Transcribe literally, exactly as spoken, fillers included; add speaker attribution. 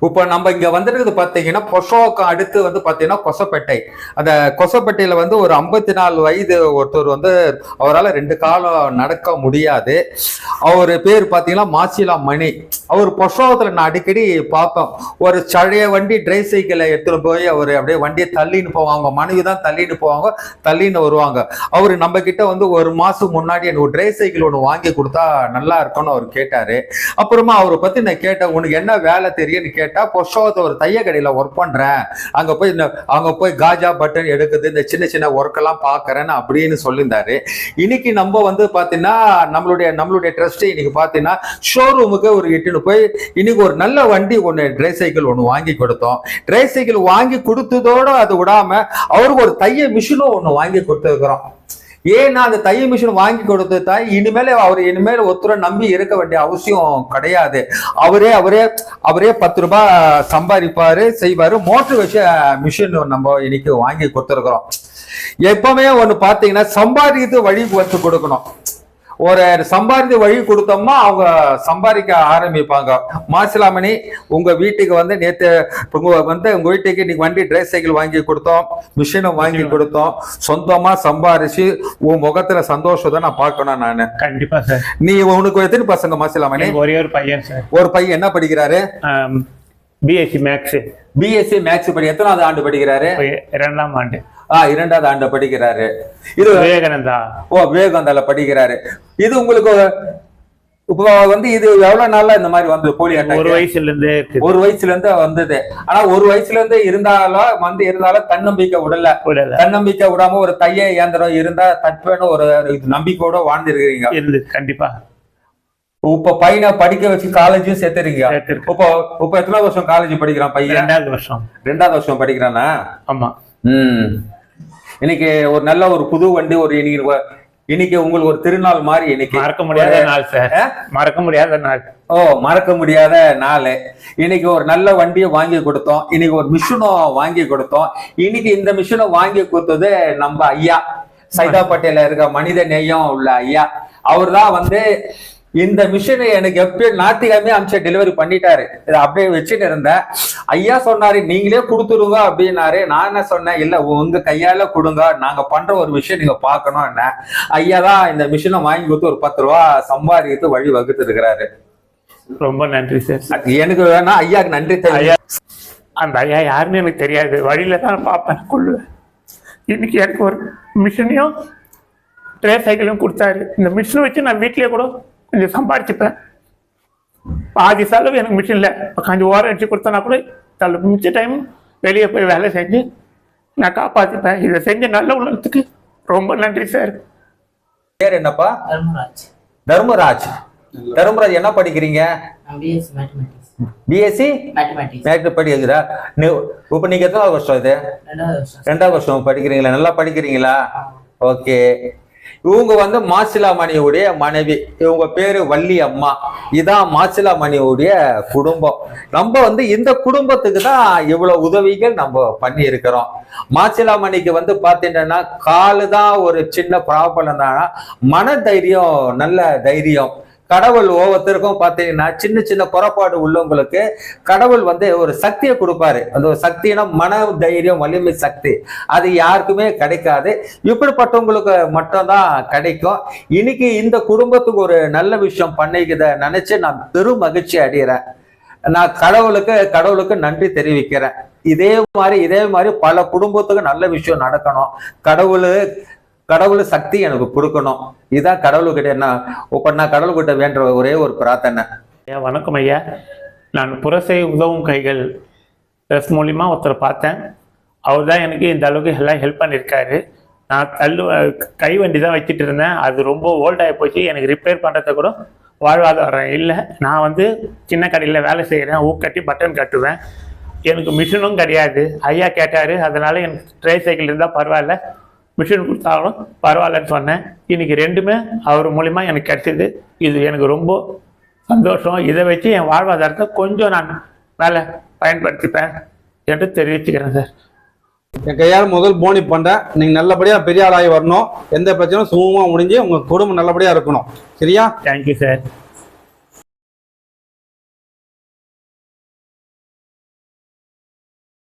Speaker 1: இப்போ நம்ம இங்க வந்துருக்குது பாத்தீங்கன்னா பொஷோக்கம் அடுத்து வந்து பாத்தீங்கன்னா கொசப்பேட்டை. அந்த கொசப்பேட்டையில வந்து ஒரு ஐம்பத்தி நாலு வயது ஒருத்தர் வந்து அவரால் ரெண்டு காலம் நடக்க முடியாது. அவர் பேர் பாத்தீங்கன்னா மாசிலா மணி. அவர் பொஷோகத்துல நான் அடிக்கடி பார்ப்போம். ஒரு சழைய வண்டி ட்ரை சைக்கிளை எடுத்துட்டு போய் அவர் அப்படியே வண்டியை தள்ளின்னு போவாங்க. மனைவி தான் தள்ளின்னு போவாங்க, தள்ளின்னு வருவாங்க. அவரு நம்ம கிட்ட வந்து ஒரு மாசம் முன்னாடி எனக்கு ஒரு ட்ரை சைக்கிள் ஒன்று வாங்கி கொடுத்தா நல்லா இருக்கும்னு அவர் கேட்டாரு. அப்புறமா அவரை பத்தி நான் கேட்டேன், உனக்கு என்ன வேலை தெரியும்னு கேட்டா, பொஷோகத்தை ஒரு தைய கடையில ஒர்க் பண்றேன், அங்க போய் அங்க போய் காஜா பட்டன் எடுக்குது, இந்த சின்ன சின்ன ஒர்க் எல்லாம் பாக்குறேன்னு அப்படின்னு சொல்லியிருந்தாரு. இன்னைக்கு நம்ம வந்து பாத்தீங்கன்னா நம்மளுடைய நம்மளுடைய ட்ரஸ்ட் இன்னைக்கு பாத்தீங்கன்னா ஷோரூமுக்கு ஒரு இட்டுன்னு போய் இன்னைக்கு ஒரு நல்ல வண்டி ஒன்று ட்ரை சைக்கிள் ஒன்று வாங்கி கொடுத்தோம். ட்ரை சைக்கிள் வாங்கி கொடுத்ததோட அது விடாம அவருக்கு ஒரு தைய மிஷினும் ஒன்று வாங்கி கொடுத்துருக்கிறோம். ஏன்னா அந்த தைய மிஷின் வாங்கி கொடுத்தா இனிமேல அவர் இனிமேல் ஒருத்தரை நம்பி இருக்க வேண்டிய அவசியம் கிடையாது. அவரே அவரே அவரே பத்து ரூபாய் சம்பாதிப்பாரு, செய்வாரு. மோட்டர் வச்ச மிஷின் நம்ம இன்னைக்கு வாங்கி கொடுத்துருக்கிறோம். எப்பவுமே ஒண்ணு பாத்தீங்கன்னா சம்பாதிக்கிறது வழி வச்சு கொடுக்கணும். ஒரு சம்பாதித்து வழி கொடுத்தோம்னா அவங்க சம்பாதிக்க ஆரம்பிப்பாங்க. மாசிலாமணி, உங்க வீட்டுக்கு வந்து நேற்று வந்து உங்க வீட்டுக்கு இன்னைக்கு வண்டி ட்ரை சைக்கிள் வாங்கி கொடுத்தோம், மிஷினும் வாங்கி கொடுத்தோம். சொந்தமா சம்பாரிச்சு உன் முகத்துல சந்தோஷத்தை நான் பார்க்கணும். நானு கண்டிப்பா சார். நீ உனக்கு எத்தனை பசங்க மாசிலாமணி? ஒரே ஒரு பையன் சார். ஒரு பையன் என்ன படிக்கிறாரு? BSc maths. பிஎஸ்சி மேக்ஸ் படி எத்தனாவது ஆண்டு படிக்கிறாரு? இரண்டாம் ஆண்டு. ஆஹ் இரண்டாவது ஆண்டு படிக்கிறாரு. இது விவேகானந்தா. ஓ, விவேகானந்தால படிக்கிறாரு. இது உங்களுக்கு இப்போ வந்து இது எவ்வளவு நாளா இந்த மாதிரி வந்து போலியோ அட்டாக்? ஒரு வயசுல இருந்து ஒரு வயசுல இருந்து வந்தது. ஆனா ஒரு வயசுல இருந்து இருந்தாலும் வந்து இருந்தாலும் தன்னம்பிக்கை விடல. தன்னம்பிக்கை விடாம ஒரு தைய இயந்திரம் இருந்தா தட்பேன்னு ஒரு நம்பிக்கையோட வாழ்ந்துருக்கீங்க. கண்டிப்பா. இப்ப பையனை படிக்க வச்சு காலேஜும் சேர்த்துறீங்க. இப்போ இப்ப எத்தனை வருஷம் காலேஜ் படிக்கிறான் பையன்? ரெண்டாவது வருஷம். ரெண்டாவது வருஷம் படிக்கிறானா? ஆமா. உம் இன்னைக்கு ஒரு நல்ல ஒரு புது வண்டி ஒரு இன்னைக்கு இன்னைக்கு உங்களுக்கு ஒரு திருநாள் மாதிரி. இன்னைக்கு மறக்க முடியாத நாள் சார். மறக்க முடியாத நாள். ஓ, மறக்க முடியாத நாள். இன்னைக்கு ஒரு நல்ல வண்டியை வாங்கி கொடுத்தோம். இன்னைக்கு ஒரு மிஷினும் வாங்கி கொடுத்தோம். இன்னைக்கு இந்த மிஷினை வாங்கி கொடுத்தது நம்ம ஐயா சைதாப்பேட்டையில இருக்க மனித நேயம் உள்ள ஐயா. அவர் தான் வந்து இந்த மிஷினை எனக்கு எப்பயும் ஞாயிற்றுக்கிழமை அமிச்ச டெலிவரி பண்ணிட்டாரு. இதை அப்படியே வச்சுட்டு இருந்தேன். ஐயா சொன்னாரு நீங்களே கொடுத்துருங்க அப்படின்னாரு. நான் என்ன சொன்னேன், இல்ல உங்க கையால கொடுங்க, நாங்க பண்ற ஒரு விஷயம் நீங்க பாக்கணும். என்ன ஐயா தான் இந்த மிஷினை வாங்கி கொடுத்து ஒரு பத்து ரூபா சம்பாதித்து வழி வகுத்து இருக்கிறாரு. ரொம்ப நன்றி சார். எனக்கு வேணா ஐயாக்கு நன்றி தெரியும். அந்த ஐயா யாருன்னு எனக்கு தெரியாது, வழியில தான் பார்ப்பேன் கொள்ளுவேன். இன்னைக்கு எனக்கு ஒரு மிஷினையும் ட்ரே சைக்கிளையும் கொடுத்தாரு. இந்த மிஷினை வச்சு நான் வீட்லயே கூட கொஞ்சம் சம்பாதிச்சுப்பேன். பாதி செலவு எனக்கு மிஷின்ல கொஞ்சம் ஓரம் அடிச்சு கொடுத்தனா கூட தள்ள மிச்ச டைம் வெளியே போய் வேலை செஞ்சு நான் காப்பாத்திப்பேன். இதை செஞ்ச நல்ல உள்ளத்துக்கு ரொம்ப நன்றி சார். பேர் என்னப்பா? தர்மராஜ். தர்மராஜ். தர்மராஜ் என்ன படிக்கிறீங்க? பிஎஸ்சி மேக்ஸ் படிக்கிறா. இப்ப நீங்க எத்தனாவது வருஷம்? இது ரெண்டாவது வருஷம் படிக்கிறீங்களா? நல்லா படிக்கிறீங்களா? ஓகே. இவங்க வந்து மாசிலாமணியுடைய மனைவி. இவங்க பேரு வள்ளி அம்மா. இதான் மாசிலாமணியுடைய குடும்பம். நம்ம வந்து இந்த குடும்பத்துக்கு தான் இவ்வளவு உதவிகள் நம்ம பண்ணி இருக்கிறோம். மாசிலாமணிக்கு வந்து பாத்தீங்கன்னா காலு தான் ஒரு சின்ன ப்ராப்ளம் தான், மன தைரியம் நல்ல தைரியம். கடவுள் ஒவ்வொருத்தருக்கும் பார்த்தீங்கன்னா சின்ன சின்ன குறைபாடு உள்ளவங்களுக்கு கடவுள் வந்து ஒரு சக்தியை கொடுப்பாரு. அந்த ஒரு சக்தினா மன தைரியம், வலிமை சக்தி. அது யாருக்குமே கிடைக்காது, இப்படிப்பட்டவங்களுக்கு மட்டும்தான் கிடைக்கும். இன்னைக்கு இந்த குடும்பத்துக்கு ஒரு நல்ல விஷயம் பண்ணிக்கிறத நினைச்சு நான் பெரும் மகிழ்ச்சி அடைகிறேன். நான் கடவுளுக்கு கடவுளுக்கு நன்றி தெரிவிக்கிறேன். இதே மாதிரி இதே மாதிரி பல குடும்பத்துக்கு நல்ல விஷயம் நடக்கணும். கடவுள் கடவுள் சக்தி எனக்கு கொடுக்கணும். இதுதான் கடவுள்கிட்ட என்ன இப்ப நான் கடவுள்கிட்ட வேண்ட ஒரே ஒரு பிரார்த்தனை.
Speaker 2: வணக்கம் ஐயா. நான் புரசை உதவும் கைகள் ட்ரெஸ் மூலிமா ஒருத்தரை பார்த்தேன். அவர் தான் எனக்கு இந்த அளவுக்கு எல்லாம் ஹெல்ப் பண்ணியிருக்காரு. நான் தள்ளு கை வண்டி தான் வச்சுட்டு இருந்தேன். அது ரொம்ப ஓல்டாகி போச்சு. எனக்கு ரிப்பேர் பண்ணுறத கூட வாழ்வாதாரம் இல்லை. நான் வந்து சின்ன கடையில் வேலை செய்கிறேன். ஊக்கட்டி பட்டன் கட்டுவேன். எனக்கு மிஷினும் கிடையாது. ஐயா கேட்டார், அதனால் எனக்கு ட்ரை சைக்கிள் இருந்தால் பரவாயில்ல, மிஷின் கொடுத்தாலும் பரவாயில்லன்னு சொன்னேன். இன்னைக்கு ரெண்டுமே அவர் மூலிமா எனக்கு கிடைச்சிது. இது எனக்கு ரொம்ப சந்தோஷம். இதை வச்சு என் வாழ்வாதாரத்தை கொஞ்சம் நான் வேலை பயன்படுத்திப்பேன் என்று தெரிவிச்சுக்கிறேன் சார்.
Speaker 3: என் கையால் முதல் போனி பண்ணுறேன். நீங்கள் நல்லபடியாக பெரிய ஆளாகி வரணும். எந்த பிரச்சனையும் சுமூகமாக முடிஞ்சு உங்கள் குடும்பம் நல்லபடியாக இருக்கணும். சரியா?
Speaker 2: Thank you sir.